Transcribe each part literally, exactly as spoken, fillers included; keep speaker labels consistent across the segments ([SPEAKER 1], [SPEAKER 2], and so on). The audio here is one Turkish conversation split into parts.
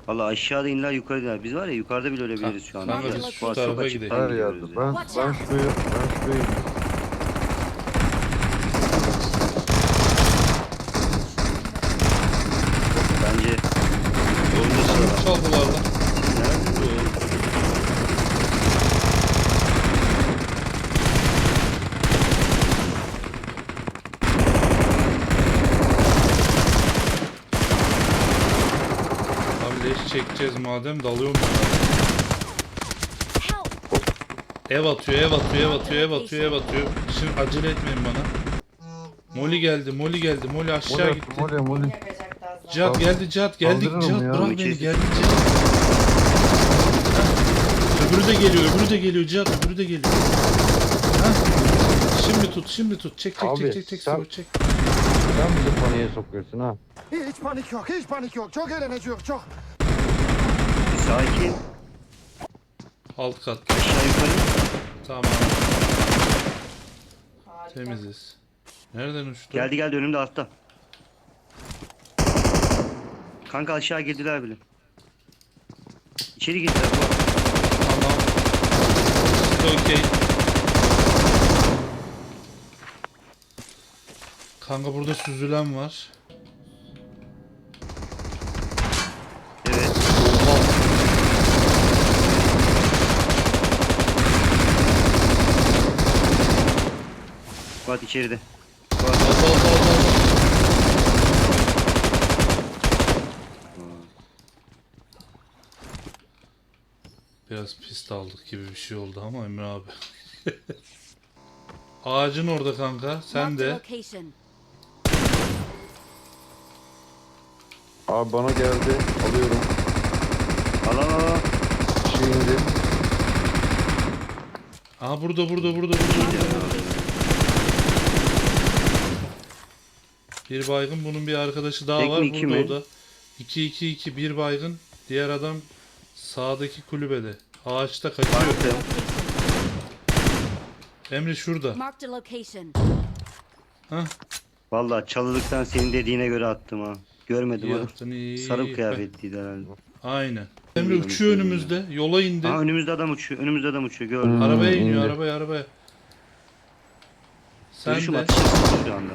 [SPEAKER 1] Valla aşağıda iniler yukarı iner. Biz var ya yukarıda bile ölebiliriz şu an.
[SPEAKER 2] Kanka
[SPEAKER 1] Ya,
[SPEAKER 2] biz
[SPEAKER 1] bu
[SPEAKER 2] şu
[SPEAKER 1] arada
[SPEAKER 2] tarafa
[SPEAKER 1] çok
[SPEAKER 2] gidelim.
[SPEAKER 1] açıktan
[SPEAKER 3] Her
[SPEAKER 1] gidiyoruz
[SPEAKER 3] yerde.
[SPEAKER 1] ya.
[SPEAKER 3] Ben,
[SPEAKER 4] Watch
[SPEAKER 3] ben
[SPEAKER 4] out.
[SPEAKER 3] şuraya, ben şuraya
[SPEAKER 1] Bence oyunda sıra var.
[SPEAKER 2] Çaldılar lan.
[SPEAKER 1] Nerede?
[SPEAKER 2] Abi leş çekeceğiz madem dalıyorum ben.
[SPEAKER 4] Help!
[SPEAKER 2] Ev atıyor, ev atıyor, ev atıyor, ev atıyor, ev atıyor. Şimdi acele etmeyin bana. Molly geldi, Molly geldi, Molly aşağı
[SPEAKER 3] Mole,
[SPEAKER 2] gitti.
[SPEAKER 3] mole, mole.
[SPEAKER 2] Cihat geldi, Cihat geldi,
[SPEAKER 3] Kaldırırım
[SPEAKER 2] Cihat
[SPEAKER 3] ya.
[SPEAKER 2] bırak beni,
[SPEAKER 1] Kes.
[SPEAKER 2] geldi Cihat. Heh. Öbürü de geliyor, öbürü de geliyor Cihat, öbürü de geliyor. Heh. Şimdi tut, şimdi tut. Çek, çek,
[SPEAKER 3] Abi,
[SPEAKER 2] çek, çek, çek,
[SPEAKER 3] sen-
[SPEAKER 2] çek, çek.
[SPEAKER 3] Sen bizi paniğe sokuyorsun ha.
[SPEAKER 5] Hiç panik yok, hiç panik yok. Çok eğleneceğiz, çok.
[SPEAKER 1] Bir sakin.
[SPEAKER 2] Alt kat.
[SPEAKER 1] Aşağı yukarı.
[SPEAKER 2] Tamam. Temiziz. Nereden uçtu?
[SPEAKER 1] Geldi geldi önümde altta. Kanka aşağı girdiler bile. İçeri girdiler. Bak.
[SPEAKER 2] Tamam. Okey. Kanka burada süzülen var.
[SPEAKER 1] Evet. Bak içeride. Bak.
[SPEAKER 2] Al, al, al, al, al. Biraz pist aldık gibi bir şey oldu ama Emre abi. Ağacın orada kanka. Sen
[SPEAKER 4] Marked a
[SPEAKER 2] de.
[SPEAKER 4] location.
[SPEAKER 3] Abi bana geldi. Alıyorum.
[SPEAKER 1] Al al al.
[SPEAKER 3] Şimdi
[SPEAKER 2] Aha burada burada burada burada. Bir baygın, bunun bir arkadaşı daha
[SPEAKER 1] Tek
[SPEAKER 2] var
[SPEAKER 1] mi, iki
[SPEAKER 2] burada
[SPEAKER 1] mi?
[SPEAKER 2] o da. iki iki iki bir baygın. Diğer adam sağdaki kulübede. Ağaçta kaçıyor.
[SPEAKER 1] Baktım.
[SPEAKER 2] Emre şurada.
[SPEAKER 4] Marked a location.
[SPEAKER 2] Hah.
[SPEAKER 1] Valla çalılıktan senin dediğine göre attım ha. Görmedim
[SPEAKER 2] İyi
[SPEAKER 1] ha.
[SPEAKER 2] yaptın, iyi.
[SPEAKER 1] Sarı kıyafetliydi herhalde.
[SPEAKER 2] Aynen. Emre uçuyor önümüzde. Yola indi.
[SPEAKER 1] Aa önümüzde adam uçuyor. Önümüzde adam uçuyor. Gördüm.
[SPEAKER 2] Arabaya
[SPEAKER 3] Hmm,
[SPEAKER 2] iniyor,
[SPEAKER 3] indi.
[SPEAKER 2] arabaya arabaya. Sen
[SPEAKER 1] Görüşüm
[SPEAKER 2] de.
[SPEAKER 1] ateş etsin şu anda.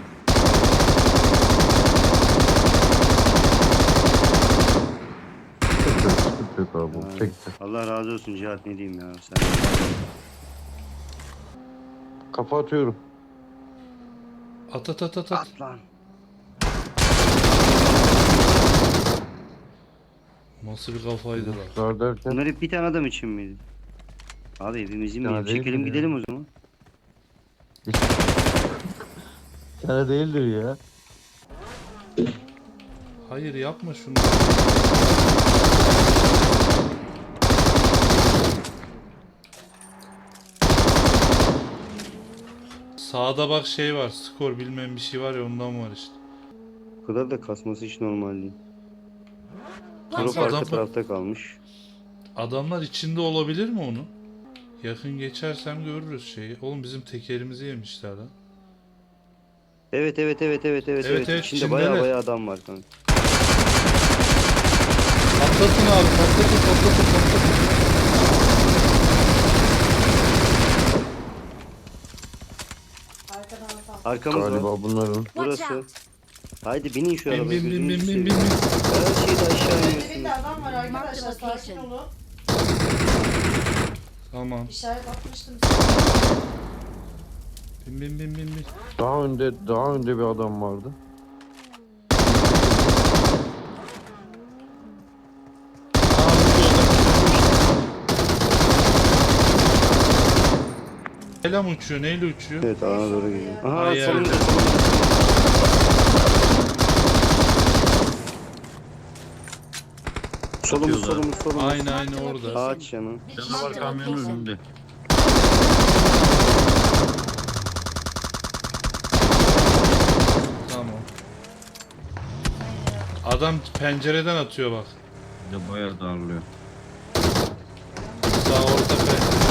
[SPEAKER 3] sıkıntı yok, sıkıntı yok abi.
[SPEAKER 1] Ha,
[SPEAKER 3] Çekti.
[SPEAKER 1] Allah razı olsun Cihat, ne diyeyim ya sen.
[SPEAKER 3] Kafa atıyorum.
[SPEAKER 2] At at at at at.
[SPEAKER 1] At lan.
[SPEAKER 2] Nasıl bir kafaydı lan.
[SPEAKER 3] Zar derken
[SPEAKER 1] Bunlar hep bir tane adam için miydi? Abi evimizi mi?
[SPEAKER 3] Ya değil
[SPEAKER 1] Çekelim
[SPEAKER 3] mi ya?
[SPEAKER 1] gidelim o zaman.
[SPEAKER 3] bir tane değildir ya.
[SPEAKER 2] Hayır yapma şunu. Sağda bak şey var. Skor bilmem bir şey var ya, ondan var işte.
[SPEAKER 1] Bu kadar da kasması hiç normal değil. Drop
[SPEAKER 4] Watch
[SPEAKER 2] Adam-
[SPEAKER 1] arka
[SPEAKER 4] out!
[SPEAKER 1] tarafta kalmış.
[SPEAKER 2] Adamlar içinde olabilir mi onu? Yakın geçersem görürüz şeyi. Oğlum bizim tekerimizi yemişler lan.
[SPEAKER 1] Evet evet evet evet evet.
[SPEAKER 2] Evet, evet,
[SPEAKER 1] İçinde
[SPEAKER 2] içindeler.
[SPEAKER 1] baya baya adam var kanka.
[SPEAKER 2] Patlatın abi, patlatın patlatın patlatın.
[SPEAKER 1] Arkamız var.
[SPEAKER 3] Galiba bunların.
[SPEAKER 4] Watch
[SPEAKER 1] Burası.
[SPEAKER 4] out!
[SPEAKER 1] Haydi binin şu
[SPEAKER 2] Bin
[SPEAKER 1] arabaya.
[SPEAKER 2] bin bin
[SPEAKER 1] gözünüzü
[SPEAKER 2] bin bin
[SPEAKER 1] seveyim.
[SPEAKER 2] bin bin.
[SPEAKER 1] Her şeyi de aşağı
[SPEAKER 6] Dibinde
[SPEAKER 1] iniyorsunuz.
[SPEAKER 6] adam var arkadaşlar,
[SPEAKER 4] Marked
[SPEAKER 6] sakin
[SPEAKER 4] location.
[SPEAKER 6] olun.
[SPEAKER 2] Tamam.
[SPEAKER 6] İşaret atmıştım.
[SPEAKER 2] Bin bin bin bin bin.
[SPEAKER 3] Daha önde, daha önde bir adam vardı.
[SPEAKER 2] Aa, Neyle mi uçuyor? Neyle uçuyor?
[SPEAKER 1] Evet alana doğru gidiyor. Aha
[SPEAKER 2] Ay,
[SPEAKER 1] solumuzda
[SPEAKER 2] yerde.
[SPEAKER 1] solumuzda. Solumuz solumuz solumuz.
[SPEAKER 2] Aynı aynı orada.
[SPEAKER 1] Ağaç yanı.
[SPEAKER 4] Marked a location.
[SPEAKER 2] Tamam. Adam pencereden atıyor bak.
[SPEAKER 7] de bayağı darlıyor.
[SPEAKER 2] Sağ orta pencere.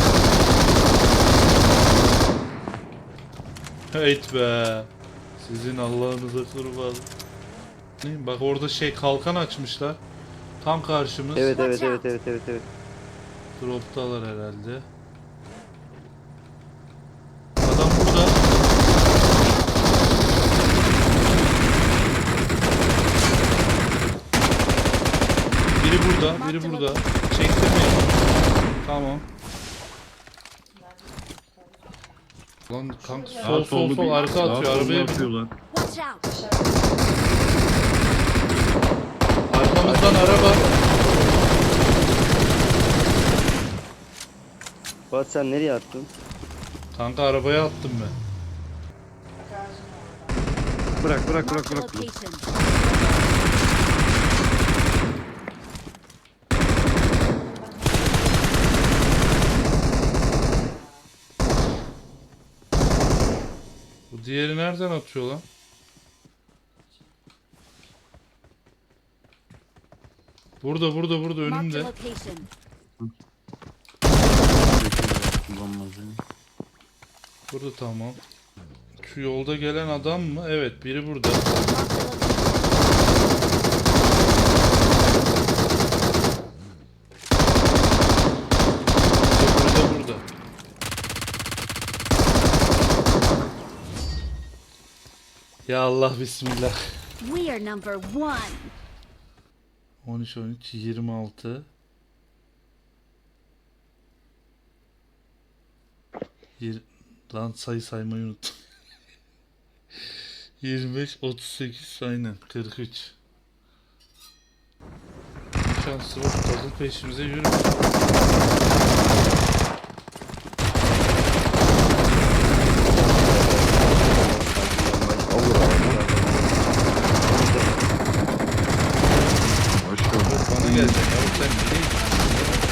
[SPEAKER 2] Heyt be. Sizin Allah'ınıza kurban. Ne? Bak orada şey kalkan açmışlar. Tam karşımız.
[SPEAKER 1] Evet evet evet evet evet evet.
[SPEAKER 2] Droptalar herhalde. Adam burada. Biri burada, biri burada. Çektirmeyin. Tamam. Lan kanka
[SPEAKER 7] Sağ
[SPEAKER 2] sol sol
[SPEAKER 7] sollu
[SPEAKER 2] sol
[SPEAKER 7] bir-
[SPEAKER 2] arka
[SPEAKER 7] sağ
[SPEAKER 2] atıyor.
[SPEAKER 7] sollu
[SPEAKER 2] Arabaya bin.
[SPEAKER 7] atıyorlar.
[SPEAKER 4] Watch out!
[SPEAKER 2] Arkamızdan araba.
[SPEAKER 1] Fuat sen nereye attın?
[SPEAKER 2] Kanka arabaya attım ben.
[SPEAKER 7] Bırak bırak bırak
[SPEAKER 4] Marked a
[SPEAKER 7] bırak.
[SPEAKER 4] location.
[SPEAKER 2] Bu diğeri nereden atıyor lan? Burada burada burada
[SPEAKER 4] Marked a
[SPEAKER 2] önümde.
[SPEAKER 4] location.
[SPEAKER 7] Kullanmaz yani.
[SPEAKER 2] Burada tamam. Şu yolda gelen adam mı? Evet biri burada.
[SPEAKER 4] Marked a location.
[SPEAKER 2] Öbürü de burada. Ya Allah bismillah.
[SPEAKER 4] We are number one.
[SPEAKER 2] on üç on üç yirmi altı. Yir... Lan sayı saymayı unuttum. yirmi beş otuz sekiz aynen kırk üç. Şansı var. Tazın peşimize yürü.
[SPEAKER 3] Olur abi. Hoş geldin.
[SPEAKER 2] Bana gelecek abi sen nereye gidiyorsun?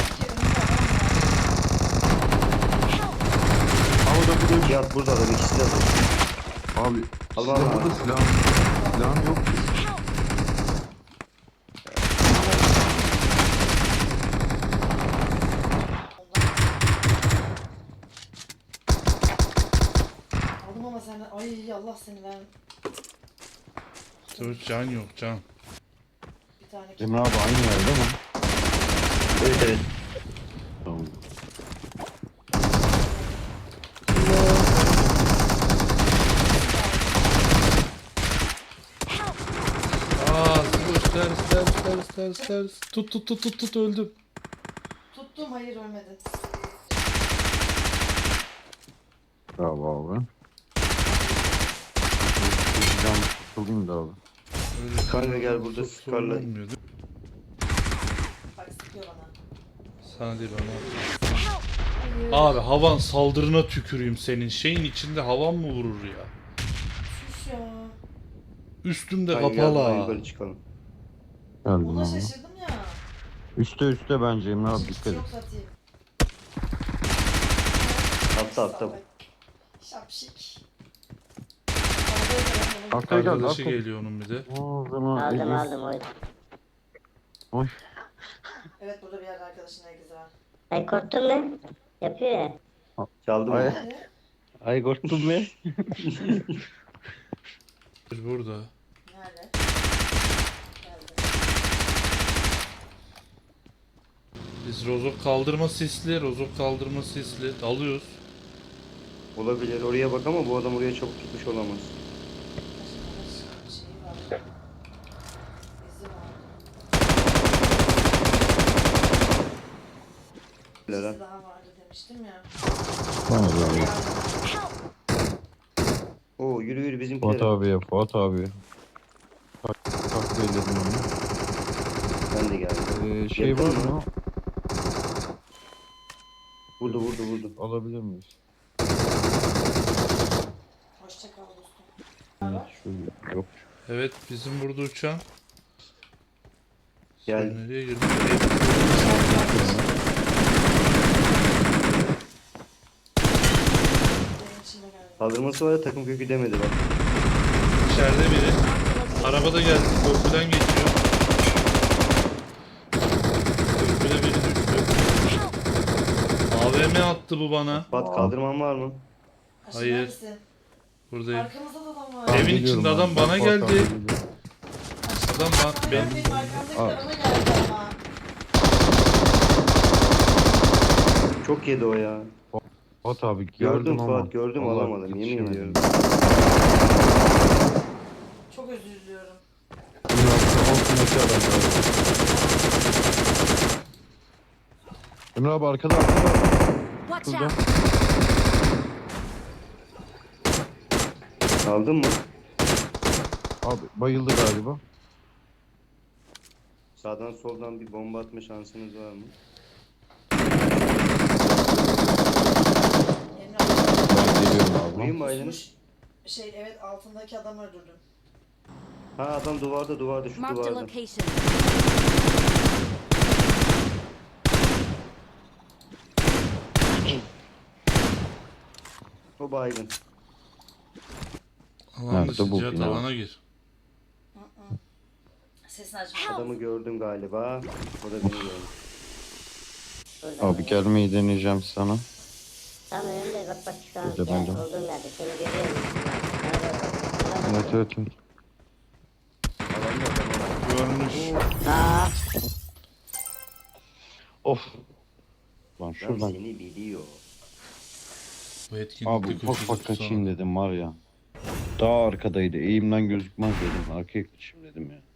[SPEAKER 3] Abi da burada
[SPEAKER 1] Cihat burada adam ikisi de burada.
[SPEAKER 3] Abi
[SPEAKER 1] Allah
[SPEAKER 3] sizde
[SPEAKER 1] Allah.
[SPEAKER 3] burada silah, silahım yok ki.
[SPEAKER 6] Aldım ama sen ay Allah seni ben
[SPEAKER 2] Dur can yok can.
[SPEAKER 6] bir tane
[SPEAKER 3] Emre abi aynı yerde mi?
[SPEAKER 1] Evet evet.
[SPEAKER 3] Tamam.
[SPEAKER 2] Aa dur ters ters ters ters ters. Tut tut tut tut tut öldüm.
[SPEAKER 6] tuttum hayır ölmedin.
[SPEAKER 3] Bravo abi. Silahım tutulayım da abi.
[SPEAKER 2] Öyle
[SPEAKER 1] Kanka gel burada
[SPEAKER 2] çok sorun
[SPEAKER 1] Scar'la-
[SPEAKER 2] olmuyor, değil mi?
[SPEAKER 6] Bak sıkıyor bana.
[SPEAKER 2] Sana değil bana. Abi havan saldırına tüküreyim senin. Şeyin içinde havan mı vurur ya?
[SPEAKER 6] Sus ya.
[SPEAKER 2] Üstümde
[SPEAKER 1] Kanka gel
[SPEAKER 2] kapalı
[SPEAKER 1] buradan
[SPEAKER 2] ha.
[SPEAKER 1] yukarı çıkalım.
[SPEAKER 3] Geldim
[SPEAKER 6] Buna
[SPEAKER 3] abi.
[SPEAKER 6] şaşırdım ya.
[SPEAKER 3] Üste üste bence Emre abi
[SPEAKER 6] Hiç
[SPEAKER 3] dikkat et.
[SPEAKER 6] yok satayım.
[SPEAKER 1] Atla atla.
[SPEAKER 6] Şapşik.
[SPEAKER 3] Arkaya gel.
[SPEAKER 2] Arkadaşı
[SPEAKER 3] Arkaya.
[SPEAKER 2] geliyor onun bir de.
[SPEAKER 3] O zaman
[SPEAKER 8] Aldım
[SPEAKER 3] Elif.
[SPEAKER 8] aldım oy.
[SPEAKER 3] Oy.
[SPEAKER 6] Evet burada bir yerde arkadaşın herkesi var.
[SPEAKER 8] Ay korktun mu? Yapıyor ya.
[SPEAKER 1] Çaldım
[SPEAKER 3] Ay.
[SPEAKER 1] mı?
[SPEAKER 6] Nerede?
[SPEAKER 3] Ay korktum be.
[SPEAKER 2] Bir burada.
[SPEAKER 6] Nerede? Geldi.
[SPEAKER 2] Biz rozok kaldırma sisli, rozok kaldırma sisli. Dalıyoruz.
[SPEAKER 1] Olabilir oraya bak ama bu adam oraya çok gitmiş olamaz.
[SPEAKER 6] Başka şeyi var. İzi var.
[SPEAKER 1] Lera.
[SPEAKER 6] İzi daha vardı demiştim ya.
[SPEAKER 3] Tamam abi.
[SPEAKER 1] Oo yürü yürü
[SPEAKER 3] Fuat
[SPEAKER 1] bizimkiler.
[SPEAKER 3] abiye, Fuat abiye. Tak, takviye edelim onu.
[SPEAKER 1] Ben de geldim.
[SPEAKER 3] Ee, şey
[SPEAKER 1] Yakın
[SPEAKER 3] var
[SPEAKER 1] mı?
[SPEAKER 3] mı?
[SPEAKER 1] Vurdu vurdu vurdu.
[SPEAKER 3] Alabilir miyiz?
[SPEAKER 6] Hoşça kal dostum.
[SPEAKER 3] Evet, şu yok.
[SPEAKER 2] Evet bizim burada uçan.
[SPEAKER 1] Gel.
[SPEAKER 2] Sen nereye girdin?
[SPEAKER 6] Benim içime geldi.
[SPEAKER 1] Kaldırması var ya takım kökü demedi bak.
[SPEAKER 2] İçeride biri. Arabada geldi. Köprüden geçiyor. Köprüde biri düştü. A V M attı bu bana.
[SPEAKER 1] Fuat kaldırman var mı?
[SPEAKER 6] Aşırı
[SPEAKER 2] Hayır.
[SPEAKER 6] neredesin?
[SPEAKER 2] Buradayım.
[SPEAKER 6] Arkamızda da adam var.
[SPEAKER 2] Evin
[SPEAKER 3] Geliyorum
[SPEAKER 2] içinde
[SPEAKER 3] abi.
[SPEAKER 2] adam bana
[SPEAKER 3] Fuat abi
[SPEAKER 2] geldi.
[SPEAKER 3] geliyor.
[SPEAKER 2] Adam bana,
[SPEAKER 6] Ben
[SPEAKER 2] ben,
[SPEAKER 6] benim arkamdaki
[SPEAKER 3] Aa.
[SPEAKER 6] de bana geldi ama.
[SPEAKER 1] Çok yedi o ya.
[SPEAKER 3] Fuat abi
[SPEAKER 1] Gördüm
[SPEAKER 3] geldim ama.
[SPEAKER 1] Fuat gördüm
[SPEAKER 3] vallahi
[SPEAKER 1] alamadım yemin
[SPEAKER 3] yetişemedim.
[SPEAKER 1] ediyorum.
[SPEAKER 6] Çok özür diliyorum.
[SPEAKER 3] Bunun altında altındaki adam galiba. Emre abi arkada arkada.
[SPEAKER 4] Watch
[SPEAKER 3] Şurada.
[SPEAKER 4] out!
[SPEAKER 1] Aldın mı?
[SPEAKER 3] Abi bayıldı galiba.
[SPEAKER 1] Sağdan soldan bir bomba atma şansınız var mı?
[SPEAKER 6] Emre abi.
[SPEAKER 3] Ben geliyorum abi.
[SPEAKER 1] Vurayım mı Aylin?
[SPEAKER 6] Kusmuş. Şey evet altındaki adamı öldürdüm.
[SPEAKER 1] Ha adam duvarda duvarda şu
[SPEAKER 4] Marked a
[SPEAKER 1] duvarda.
[SPEAKER 4] location.
[SPEAKER 1] O baygın.
[SPEAKER 2] Alan
[SPEAKER 3] Nerede
[SPEAKER 2] dışı
[SPEAKER 3] bu
[SPEAKER 2] Cihat
[SPEAKER 3] bina?
[SPEAKER 2] alana gir.
[SPEAKER 6] Sesini açma.
[SPEAKER 1] Adamı gördüm galiba. O da beni gördü.
[SPEAKER 8] Burada.
[SPEAKER 3] Abi gelmeyi deneyeceğim sana.
[SPEAKER 8] Tam önümde bak bak şu an.
[SPEAKER 3] Burada,
[SPEAKER 8] Yani
[SPEAKER 3] burada.
[SPEAKER 8] olduğum yerde seni görüyorum. Bana doğru bak. Bana bak.
[SPEAKER 3] Evet evet evet.
[SPEAKER 2] Görmüş.
[SPEAKER 8] Aa,
[SPEAKER 3] Of. Lan
[SPEAKER 1] Lan
[SPEAKER 3] şuradan.
[SPEAKER 1] seni biliyor.
[SPEAKER 2] Bu etkinlikte
[SPEAKER 3] Abi ufak
[SPEAKER 2] koşusu
[SPEAKER 3] ufak kaçayım
[SPEAKER 2] tutsana.
[SPEAKER 3] dedim var ya. Daha arkadaydı. Eğimden gözükmez dedim. Arkaya kaçayım dedim ya.